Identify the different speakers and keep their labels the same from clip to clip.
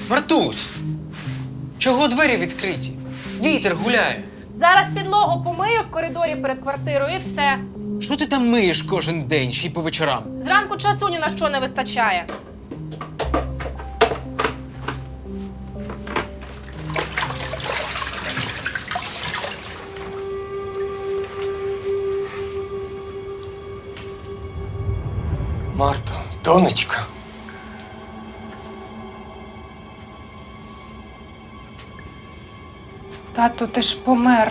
Speaker 1: Мартусь! Чого двері відкриті? Вітер гуляє.
Speaker 2: Зараз підлогу помию в коридорі перед квартирою і все.
Speaker 1: Що ти там миєш кожен день, ще й по вечорам?
Speaker 2: Зранку часу ні на що не вистачає.
Speaker 3: Марто, донечка.
Speaker 2: Тато, ти ж помер.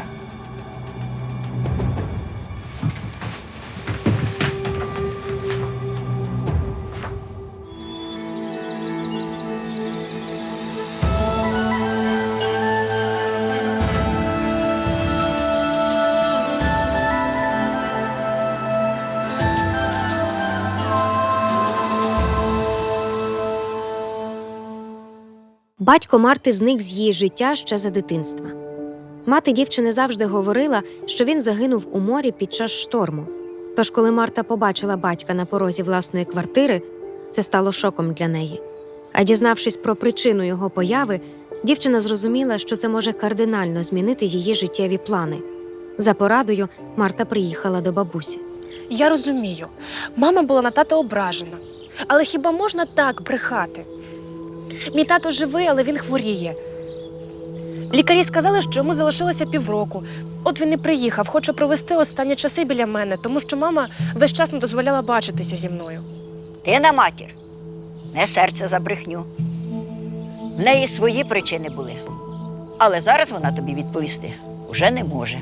Speaker 4: Батько Марти зник з її життя ще за дитинства. Мати дівчини завжди говорила, що він загинув у морі під час шторму. Тож, коли Марта побачила батька на порозі власної квартири, це стало шоком для неї. А дізнавшись про причину його появи, дівчина зрозуміла, що це може кардинально змінити її життєві плани. За порадою Марта приїхала до бабусі.
Speaker 2: Я розумію, мама була на тата ображена. Але хіба можна так брехати? Мій тато живий, але він хворіє. Лікарі сказали, що йому залишилося півроку. От він і приїхав, хоче провести останні часи біля мене, тому що мама весь час не дозволяла бачитися зі мною.
Speaker 5: Ти на матір, не серце за брехню. В неї свої причини були. Але зараз вона тобі відповісти уже не може.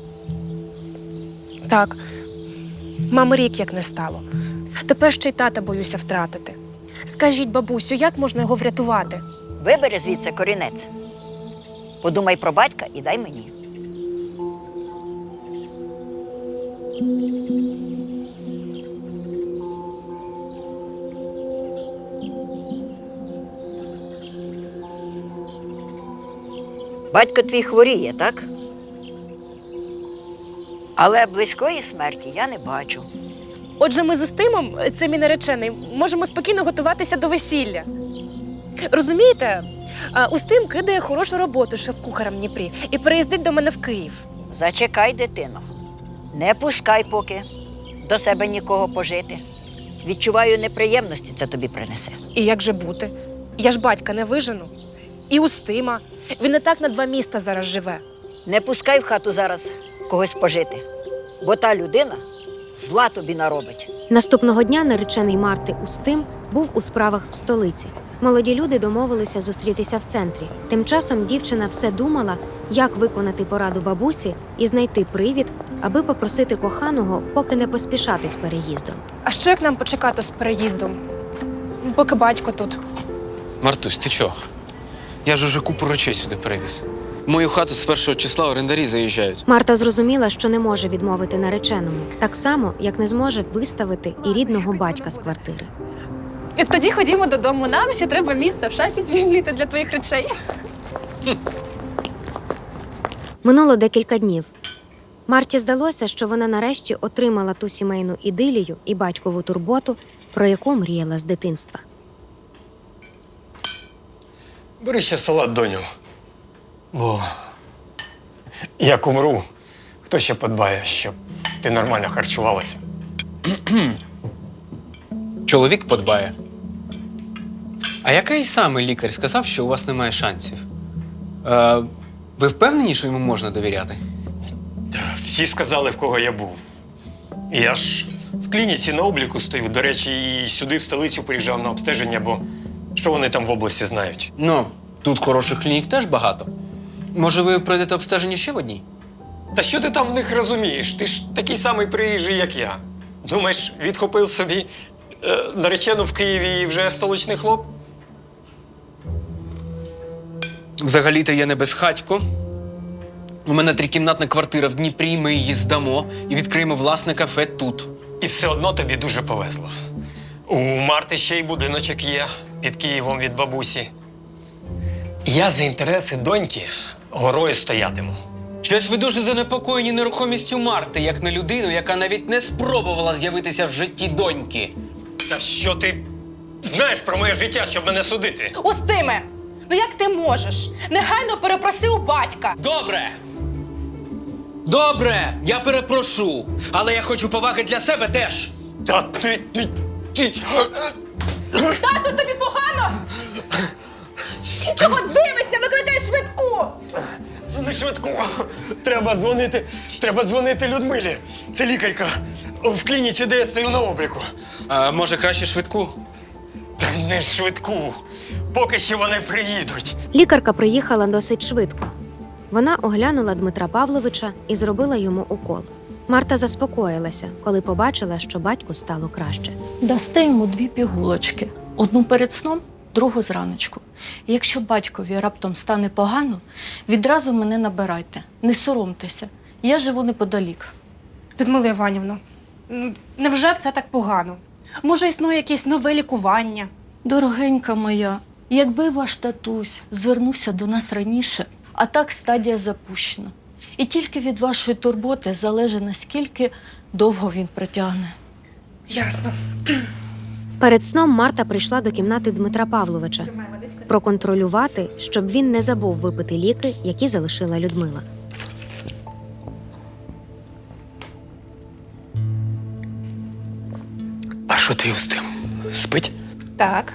Speaker 2: Так, мами рік як не стало. Тепер ще й тата боюся втратити. Скажіть, бабусю, як можна його врятувати?
Speaker 5: Вибери звідси корінець. Подумай про батька і дай мені. Батько твій хворіє, так? Але близької смерті я не бачу.
Speaker 2: Отже, ми з Устимом, це мій наречений, можемо спокійно готуватися до весілля. Розумієте, Устим кидає хорошу роботу шеф-кухарем в Дніпрі і переїздить до мене в Київ.
Speaker 5: Зачекай, дитино. Не пускай поки до себе нікого пожити. Відчуваю, неприємності це тобі принесе.
Speaker 2: І як же бути? Я ж батька не вижену. І Устима. Він і так на 2 міста зараз живе.
Speaker 5: Не пускай в хату зараз когось пожити, бо та людина зла тобі наробить.
Speaker 4: Наступного дня наречений Марти Устим був у справах в столиці. Молоді люди домовилися зустрітися в центрі. Тим часом дівчина все думала, як виконати пораду бабусі і знайти привід, аби попросити коханого поки не поспішати з переїздом.
Speaker 2: А що як нам почекати з переїздом? Поки батько тут.
Speaker 1: Мартусь, ти чого? Я ж уже купу речей сюди перевіз. В мою хату з 1 числа орендарі заїжджають.
Speaker 4: Марта зрозуміла, що не може відмовити нареченому, так само, як не зможе виставити і рідного батька з квартири.
Speaker 2: Тоді ходімо додому. Нам ще треба місце в шафі звільнити для твоїх речей.
Speaker 4: Минуло декілька днів. Марті здалося, що вона нарешті отримала ту сімейну ідилію і батькову турботу, про яку мріяла з дитинства.
Speaker 3: Бери ще салат, доню. Бо як умру, хто ще подбає, щоб ти нормально харчувалася?
Speaker 1: Чоловік подбає. А який саме лікар сказав, що у вас немає шансів? Ви впевнені, що йому можна довіряти?
Speaker 3: Та всі сказали, в кого я був. Я ж в клініці на обліку стою. До речі, і сюди, в столицю, приїжджав на обстеження, бо що вони там в області знають?
Speaker 1: Ну, тут хороших клінік теж багато. Може, ви пройдете обстеження ще в одній?
Speaker 3: Та що ти там в них розумієш? Ти ж такий самий приїжджий, як я. Думаєш, відхопив собі наречену в Києві і вже столичний хлоп?
Speaker 1: Взагалі-то я не безхатько. У мене 3-кімнатна квартира в Дніпрі, ми її здамо і відкриємо власне кафе тут.
Speaker 3: І все одно тобі дуже повезло. У Марти ще й будиночок є під Києвом від бабусі. Я за інтереси доньки горою стоятиму.
Speaker 1: Щось ви дуже занепокоєні нерухомістю Марти, як на людину, яка навіть не спробувала з'явитися в житті доньки.
Speaker 3: Та що ти знаєш про моє життя, щоб мене судити?
Speaker 2: Устиме! Ну як ти можеш? Негайно перепроси у батька.
Speaker 1: Добре! Добре! Я перепрошу! Але я хочу поваги для себе теж!
Speaker 3: Та ти.
Speaker 2: Тату, тобі погано? Чого дивишся? Викликай швидку!
Speaker 3: Не швидко. Треба дзвонити Людмилі. Це лікарка в клініці, де я стою на обліку.
Speaker 1: А може краще швидку?
Speaker 3: Та не швидку. Поки що вони приїдуть.
Speaker 4: Лікарка приїхала досить швидко. Вона оглянула Дмитра Павловича і зробила йому укол. Марта заспокоїлася, коли побачила, що батьку стало краще.
Speaker 6: Дасте йому 2 пігулочки. Одну перед сном, другу зраночку. І якщо батькові раптом стане погано, відразу мене набирайте. Не соромтеся. Я живу неподалік.
Speaker 2: Людмила Іванівна, невже все так погано? Може, існує якесь нове лікування?
Speaker 6: Дорогенька моя, якби ваш татусь звернувся до нас раніше, а так стадія запущена. І тільки від вашої турботи залежить, наскільки довго він протягне.
Speaker 2: Ясно.
Speaker 4: Перед сном Марта прийшла до кімнати Дмитра Павловича проконтролювати, щоб він не забув випити ліки, які залишила Людмила.
Speaker 3: А що ти з тим? Спить?
Speaker 2: Так.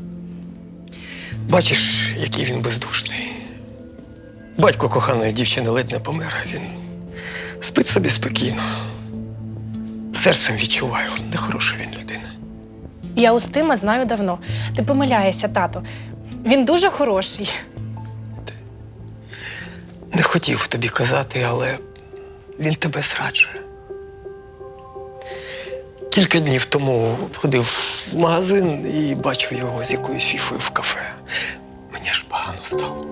Speaker 3: Бачиш, який він бездушний. Батько коханої дівчини ледь не помер, а він спить собі спокійно. Серцем відчуваю, нехороша він людина.
Speaker 2: Я Устима знаю давно. Ти помиляєшся, тато. Він дуже хороший.
Speaker 3: Не хотів тобі казати, але він тебе зраджує. Кілька днів тому ходив в магазин і бачив його з якоюсь фіфою в кафе. Мені аж погано стало.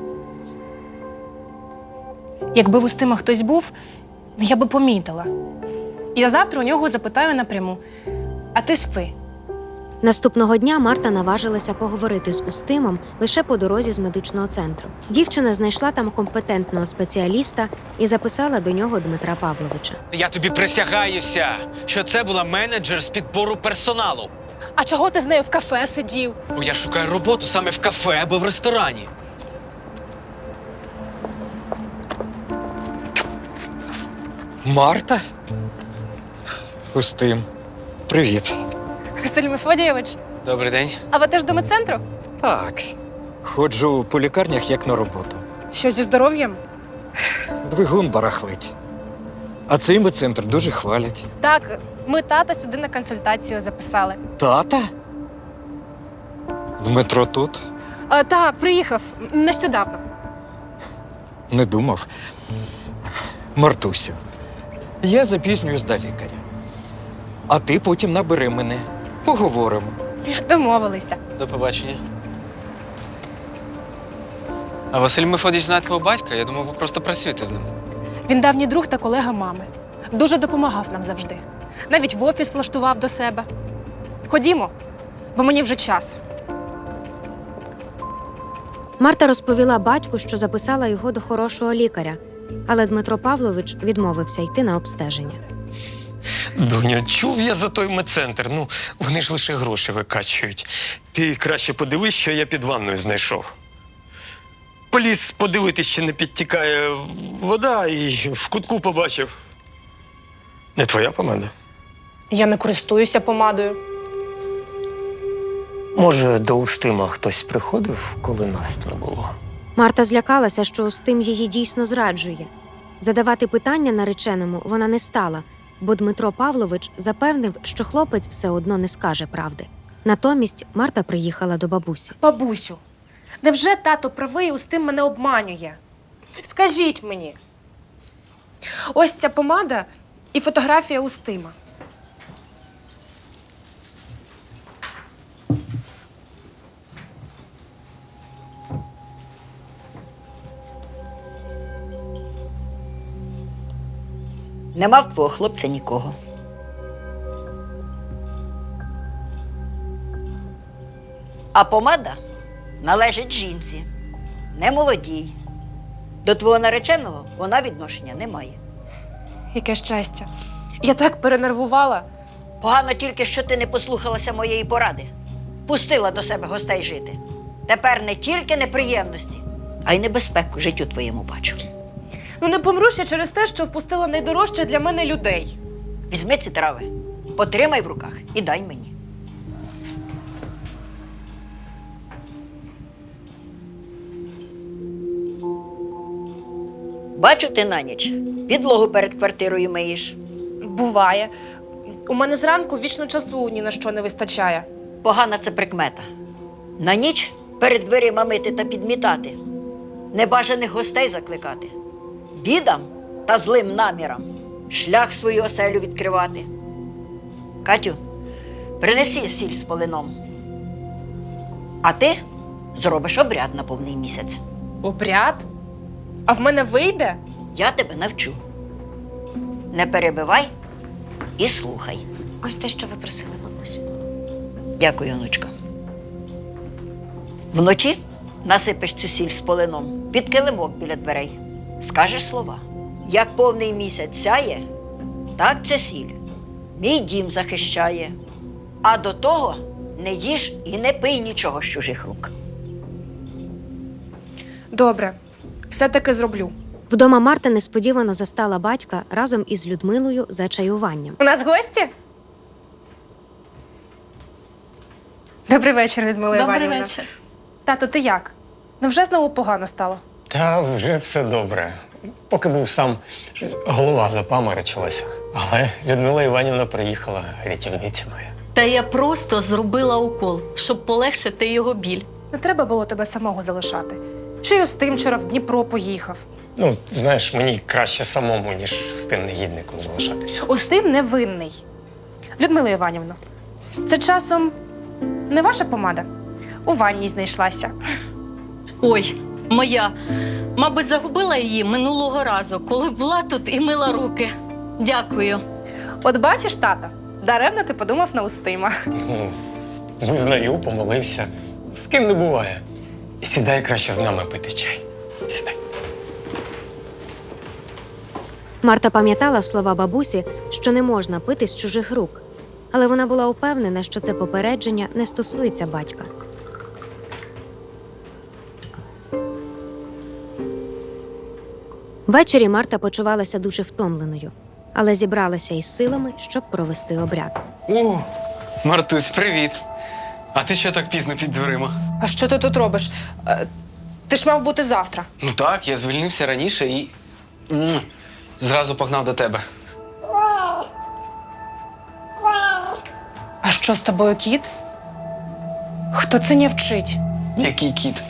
Speaker 2: Якби в Устима хтось був, я би помітила. Я завтра у нього запитаю напряму. А ти спи.
Speaker 4: Наступного дня Марта наважилася поговорити з Устимом лише по дорозі з медичного центру. Дівчина знайшла там компетентного спеціаліста і записала до нього Дмитра Павловича.
Speaker 1: Я тобі присягаюся, що це була менеджер з підбору персоналу.
Speaker 2: А чого ти з нею в кафе сидів?
Speaker 1: Бо я шукаю роботу саме в кафе або в ресторані.
Speaker 7: Марта? Устим. Привіт.
Speaker 2: Василь Мефодійович,
Speaker 1: Добрий день.
Speaker 2: а ви теж до медцентру?
Speaker 7: Так. Ходжу по лікарнях як на роботу.
Speaker 2: Що зі здоров'ям?
Speaker 7: Двигун барахлить. А цей медцентр дуже хвалять.
Speaker 2: Так, ми тата сюди на консультацію записали.
Speaker 7: Тата? Дмитро тут?
Speaker 2: Та, приїхав нещодавно.
Speaker 7: Не думав. Мартусю, я запізнююсь до лікаря. А ти потім набери мене. Поговоримо.
Speaker 2: Домовилися.
Speaker 1: До побачення. А Василь Мефодійович знає твого батька? Я думав, ви просто працюєте з ним.
Speaker 2: Він давній друг та колега мами. Дуже допомагав нам завжди. Навіть в офіс влаштував до себе. Ходімо, бо мені вже час.
Speaker 4: Марта розповіла батьку, що записала його до хорошого лікаря, але Дмитро Павлович відмовився йти на обстеження.
Speaker 3: Доню, чув я за той медцентр. Ну, вони ж лише гроші викачують. Ти краще подивись, що я під ванною знайшов. Поліз подивитись, чи не підтікає вода, і в кутку побачив. Не твоя помада?
Speaker 2: Я не користуюся помадою.
Speaker 3: Може, до Устима хтось приходив, коли нас не було?
Speaker 4: Марта злякалася, що Устим її дійсно зраджує. Задавати питання нареченому вона не стала, бо Дмитро Павлович запевнив, що хлопець все одно не скаже правди. Натомість Марта приїхала до бабусі.
Speaker 2: Бабусю, невже тато правий і Устим мене обманює? Скажіть мені. Ось ця помада і фотографія Устима.
Speaker 5: Нема в твого хлопця нікого. А помада належить жінці, не молодій. До твого нареченого вона відношення не має.
Speaker 2: Яке щастя. Я так перенервувала.
Speaker 5: Погано тільки, що ти не послухалася моєї поради. Пустила до себе гостей жити. тепер не тільки неприємності, а й небезпеку життю твоєму бачу.
Speaker 2: Ну не помру ще через те, що впустила найдорожче для мене людей.
Speaker 5: Візьми ці трави, потримай в руках і дай мені. Бачу, ти на ніч підлогу перед квартирою миєш.
Speaker 2: Буває. У мене зранку вічно часу ні на що не вистачає.
Speaker 5: Погана це прикмета. На ніч перед дверима мити та підмітати, небажаних гостей закликати, бідам та злим намірам шлях свою оселю відкривати. Катю, принеси сіль з полином. А ти зробиш обряд на повний місяць.
Speaker 2: Обряд? А в мене вийде?
Speaker 5: Я тебе навчу. Не перебивай і слухай.
Speaker 4: Ось те, що ви просили, бабусю.
Speaker 5: Дякую, онучко. Вночі насипеш цю сіль з полином під килимок біля дверей. Скажеш слова. Як повний місяць сяє, так ця сіль мій дім захищає. А до того не їж і не пий нічого з чужих рук.
Speaker 2: Добре, все-таки зроблю.
Speaker 4: Вдома Марта несподівано застала батька разом із Людмилою за чаюванням.
Speaker 2: У нас гості? Добрий вечір, Людмила
Speaker 6: Добрий
Speaker 2: Іванівна.
Speaker 6: вечір.
Speaker 2: Тато, ти як? Невже знову погано стало?
Speaker 3: Та вже все добре. Поки був сам, щось голова запаморочилася. Але Людмила Іванівна приїхала, рятівниця моя.
Speaker 6: Та я просто зробила укол, щоб полегшити його біль.
Speaker 2: Не треба було тебе самого залишати. Чи й Остим вчора в Дніпро поїхав.
Speaker 3: Ну, знаєш, мені краще самому, ніж з тим негідником залишатися.
Speaker 2: Остим невинний. Людмила Іванівна, це часом не ваша помада? У ванній знайшлася.
Speaker 6: Ой, моя. Мабуть, загубила її минулого разу, коли була тут і мила руки. Дякую.
Speaker 2: От бачиш, тата, даремно ти подумав на Устима.
Speaker 3: Ну, визнаю, помилився. З ким не буває. Сідай краще з нами пити чай. Сідай.
Speaker 4: Марта пам'ятала слова бабусі, що не можна пити з чужих рук. Але вона була упевнена, що це попередження не стосується батька. Ввечері Марта почувалася дуже втомленою, але зібралася із силами, щоб провести обряд.
Speaker 1: О, Мартусь, привіт. А ти що так пізно під дверима?
Speaker 2: А що ти тут робиш? Ти ж мав бути завтра.
Speaker 1: Ну так, я звільнився раніше і зразу погнав до тебе.
Speaker 2: А що з тобою, кіт? Хто це не вчить?
Speaker 1: Який кіт?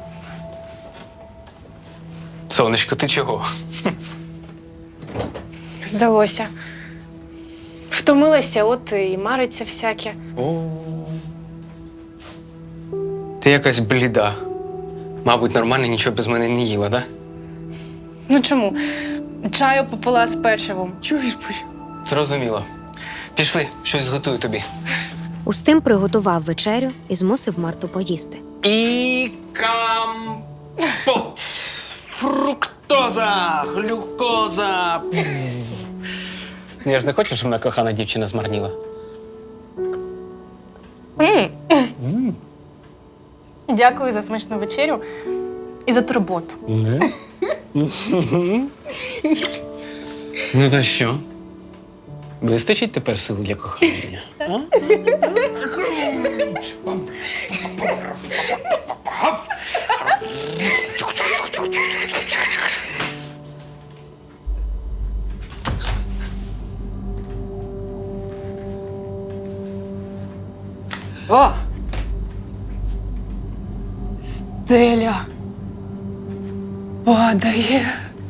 Speaker 1: Сонечко, ти чого?
Speaker 2: Здалося. Втомилася, от і мариться всяке.
Speaker 1: О. Ти якась бліда. Мабуть, нормально нічого без мене не їла, да?
Speaker 2: Ну чому? Чаю попила з печивом.
Speaker 1: Зрозуміло. Пішли, щось зготую тобі.
Speaker 4: Устим приготував вечерю і змусив Марту поїсти.
Speaker 1: І компот. Фруктоза, глюкоза. Я ж не хочу, щоб моя кохана дівчина змарніла.
Speaker 2: Дякую за смачну вечерю і за турботу.
Speaker 1: Ну то що? Вистачить тепер сил для кохання?
Speaker 7: О!
Speaker 2: Стеля падає.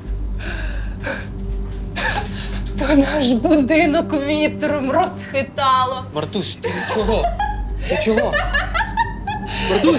Speaker 2: То наш будинок вітром розхитало.
Speaker 1: Мартусь, ти чого? Ти чого? Мартусь!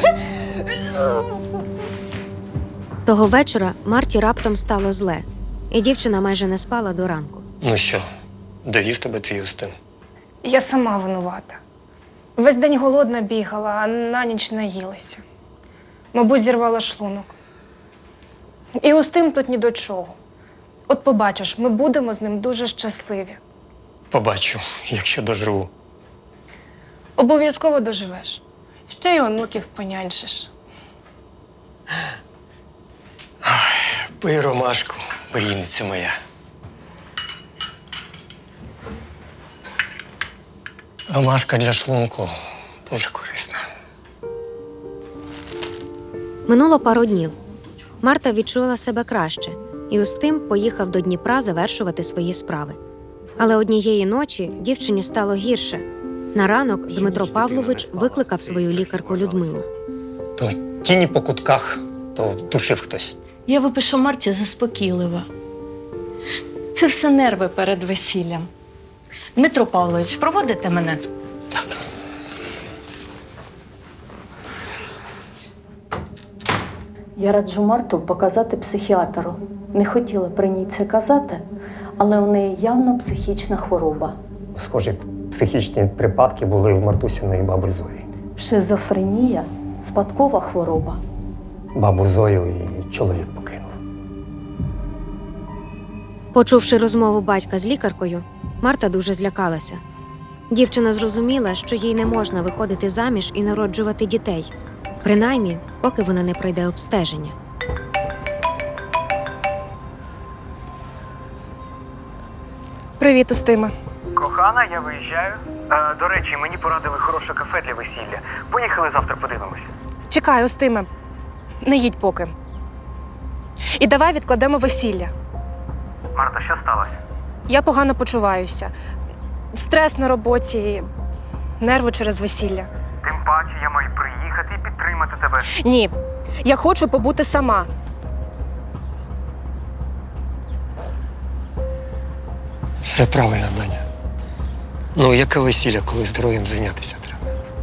Speaker 4: Того вечора Марті раптом стало зле, і дівчина майже не спала до ранку.
Speaker 3: Ну що, довів тебе твій Устим?
Speaker 2: Я сама винувата. Весь день голодна бігала, а на ніч наїлася. Мабуть, зірвала шлунок. І Устим тут ні до чого. От побачиш, ми будемо з ним дуже щасливі.
Speaker 3: Побачу, якщо доживу.
Speaker 2: Обов'язково доживеш. Ще й онуків поняньшиш.
Speaker 3: Пий ромашку, мрійниця моя. Ромашка для шлунку дуже корисна.
Speaker 4: Минуло пару днів. Марта відчула себе краще, і Устим поїхав до Дніпра завершувати свої справи. Але однієї ночі дівчині стало гірше. На ранок Дмитро Павлович викликав свою лікарку Людмилу.
Speaker 3: То тіні по кутках, то душив хтось.
Speaker 6: Я випишу Марті заспокійливо. Це все нерви перед весіллям. Дмитро Павлович, проводите мене?
Speaker 3: Так.
Speaker 6: Я раджу Марту показати психіатру. Не хотіла при ній це казати, але у неї явно психічна хвороба.
Speaker 3: Схожі психічні припадки були в Мартусіної баби Зої.
Speaker 6: Шизофренія – спадкова хвороба.
Speaker 3: Бабу Зою і чоловік покинув.
Speaker 4: Почувши розмову батька з лікаркою, Марта дуже злякалася. Дівчина зрозуміла, що їй не можна виходити заміж і народжувати дітей, принаймні, поки вона не пройде обстеження.
Speaker 2: Привіт, Устиме.
Speaker 8: Кохана, я виїжджаю. До речі, мені порадили хороше кафе для весілля. Поїхали завтра подивимося.
Speaker 2: Чекай, Устиме. Не їдь поки. І давай відкладемо весілля.
Speaker 8: Марта, що сталося?
Speaker 2: Я погано почуваюся. Стрес на роботі, нерви через весілля.
Speaker 8: Тим паче я маю приїхати і підтримати тебе.
Speaker 2: Ні, я хочу побути сама.
Speaker 3: Все правильно, Даня. Ну, яке весілля, коли здоров'ям зайнятися треба?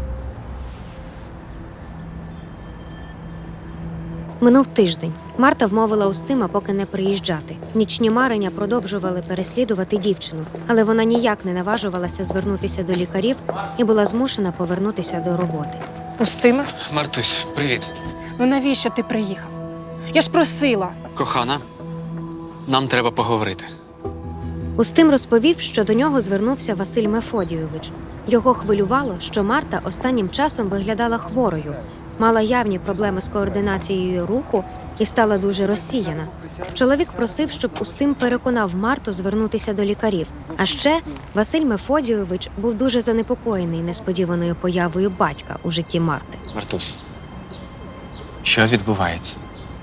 Speaker 4: Минув тиждень. Марта вмовила Устима поки не приїжджати. Нічні марення продовжували переслідувати дівчину, але вона ніяк не наважувалася звернутися до лікарів і була змушена повернутися до роботи.
Speaker 2: Устиме?
Speaker 1: Мартусь, привіт.
Speaker 2: Ну навіщо ти приїхав? Я ж просила.
Speaker 1: Кохана, нам треба поговорити.
Speaker 4: Устим розповів, що до нього звернувся Василь Мефодійович. Його хвилювало, що Марта останнім часом виглядала хворою, мала явні проблеми з координацією руху і стала дуже розсіяна. Чоловік просив, щоб Устим переконав Марту звернутися до лікарів. А ще Василь Мефодійович був дуже занепокоєний несподіваною появою батька у житті Марти.
Speaker 1: Мартусь, що відбувається?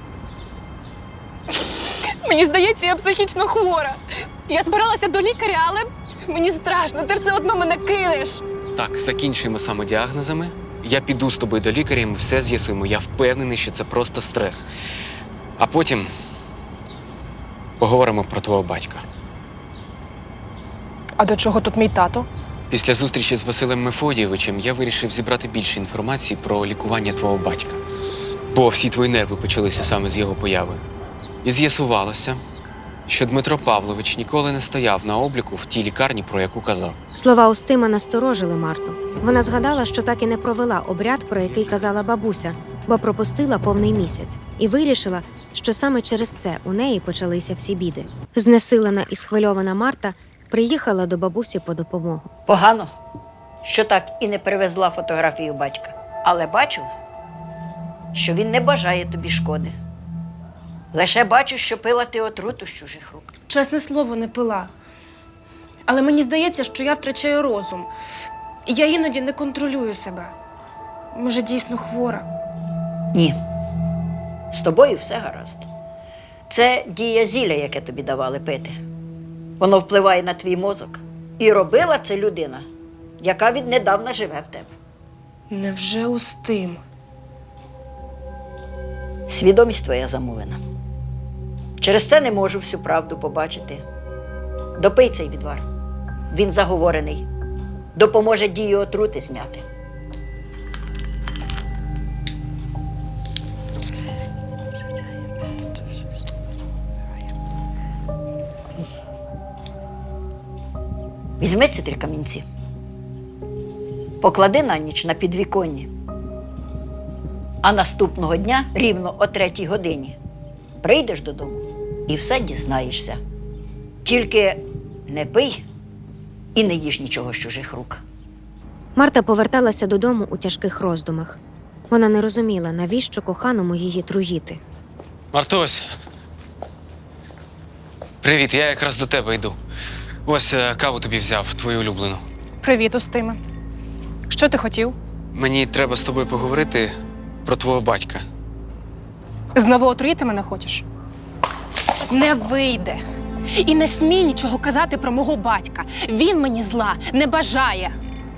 Speaker 2: Мені здається, я психічно хвора. Я збиралася до лікаря, але мені страшно, ти все одно мене кинеш.
Speaker 1: Так, закінчуємо самодіагнозами. Я піду з тобою до лікаря, і ми все з'ясуємо. Я впевнений, що це просто стрес. А потім поговоримо про твого батька.
Speaker 2: А до чого тут мій тато?
Speaker 1: Після зустрічі з Василем Мефодійовичем я вирішив зібрати більше інформації про лікування твого батька. Бо всі твої нерви почалися саме з його появи. І з'ясувалося, що Дмитро Павлович ніколи не стояв на обліку в тій лікарні, про яку казав.
Speaker 4: Слова Устима насторожили Марту. Вона згадала, що так і не провела обряд, про який казала бабуся, бо пропустила повний місяць. І вирішила, що саме через це у неї почалися всі біди. Знесилена і схвильована Марта приїхала до бабусі по допомогу.
Speaker 5: Погано, що так і не привезла фотографію батька. Але бачу, що він не бажає тобі шкоди. Лише бачу, що пила ти отруту з чужих рук.
Speaker 2: Чесне слово, не пила. Але мені здається, що я втрачаю розум. І я іноді не контролюю себе. Може, дійсно хвора?
Speaker 5: Ні. З тобою все гаразд. Це дія зілля, яке тобі давали пити. Воно впливає на твій мозок. І робила це людина, яка віднедавна живе в тебе.
Speaker 2: Невже Устим?
Speaker 5: Свідомість твоя замулена. Через це не можу всю правду побачити. Допий цей відвар. Він заговорений. Допоможе дію отрути зняти. Візьми ці 3 камінці. Поклади на ніч на підвіконні. А наступного дня, рівно о 3-й годині, прийдеш додому і все дізнаєшся. Тільки не пий і не їж нічого з чужих рук.
Speaker 4: Марта поверталася додому у тяжких роздумах. Вона не розуміла, навіщо коханому її труїти.
Speaker 1: Мартусь, Привіт, я якраз до тебе йду. Ось каву тобі взяв, твою улюблену.
Speaker 2: Привіт, Устиме. Що ти хотів?
Speaker 1: Мені треба з тобою поговорити про твого батька.
Speaker 2: Знову отруїти мене хочеш? Не вийде. І не смій нічого казати про мого батька. Він мені зла не бажає.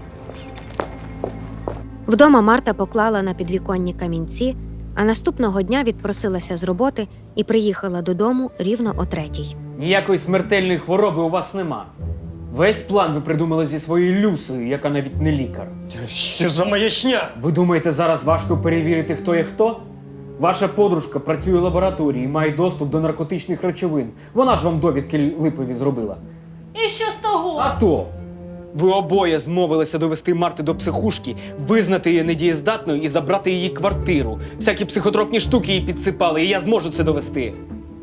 Speaker 4: Вдома Марта поклала на підвіконні камінці, а наступного дня відпросилася з роботи і приїхала додому рівно о 3:00.
Speaker 9: Ніякої смертельної хвороби у вас нема. Весь план ви придумали зі своєю Люсею, яка навіть не лікар.
Speaker 3: Що за маячня?
Speaker 9: Ви думаєте, зараз важко перевірити, хто є хто? Ваша подружка працює в лабораторії і має доступ до наркотичних речовин. Вона ж вам довідки липові зробила.
Speaker 6: І що з того?
Speaker 9: А то! Ви обоє змовилися довести Марту до психушки, визнати її недієздатною і забрати її квартиру. Всякі психотропні штуки їй підсипали, і я зможу це довести.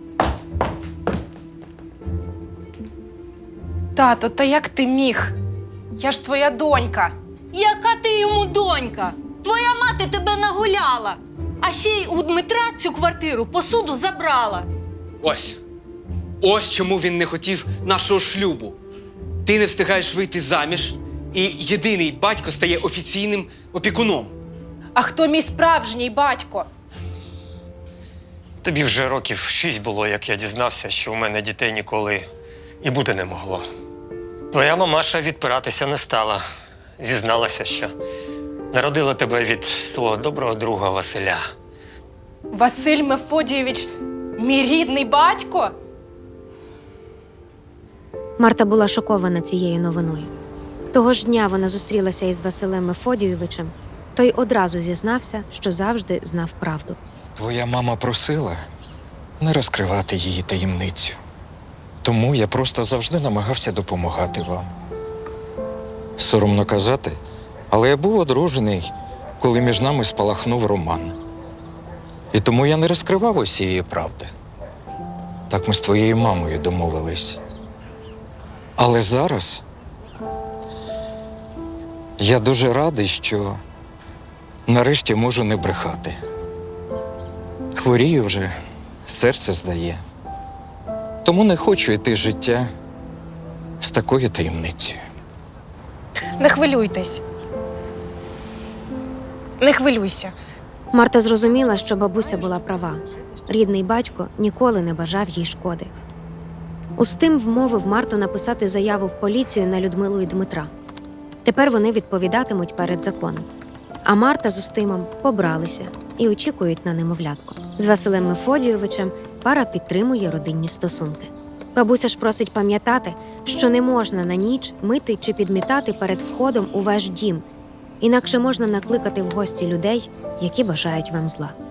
Speaker 2: Тато, та як ти міг? Я ж твоя донька.
Speaker 6: Яка ти йому донька? Твоя мати тебе нагуляла. А ще й у Дмитра цю квартиру посуду забрала.
Speaker 1: Ось. Ось чому він не хотів нашого шлюбу. Ти не встигаєш вийти заміж, і єдиний батько стає офіційним опікуном.
Speaker 2: А хто мій справжній батько?
Speaker 3: Тобі вже років 6 було, як я дізнався, що у мене дітей ніколи і бути не могло. Твоя мамаша відпиратися не стала. Зізналася, що народила тебе від свого доброго друга Василя.
Speaker 2: Василь Мефодійович, мій рідний батько?
Speaker 4: Марта була шокована цією новиною. Того ж дня вона зустрілася із Василем Мефодійовичем. Той одразу зізнався, що завжди знав правду.
Speaker 7: Твоя мама просила не розкривати її таємницю. Тому я просто завжди намагався допомагати вам. Соромно казати, але я був одружений, коли між нами спалахнув роман. І тому я не розкривав усієї правди. Так ми з твоєю мамою домовились. Але зараз я дуже радий, що нарешті можу не брехати. Хворію вже, серце здає. Тому не хочу йти з життя з такою таємницею.
Speaker 2: Не хвилюйтесь. Не хвилюйся.
Speaker 4: Марта зрозуміла, що бабуся була права. Рідний батько ніколи не бажав їй шкоди. Устим вмовив Марту написати заяву в поліцію на Людмилу і Дмитра. Тепер вони відповідатимуть перед законом. А Марта з Устимом побралися і очікують на немовлятко. З Василем Мефодійовичем пара підтримує родинні стосунки. Бабуся ж просить пам'ятати, що не можна на ніч мити чи підмітати перед входом у ваш дім, інакше можна накликати в гості людей, які бажають вам зла.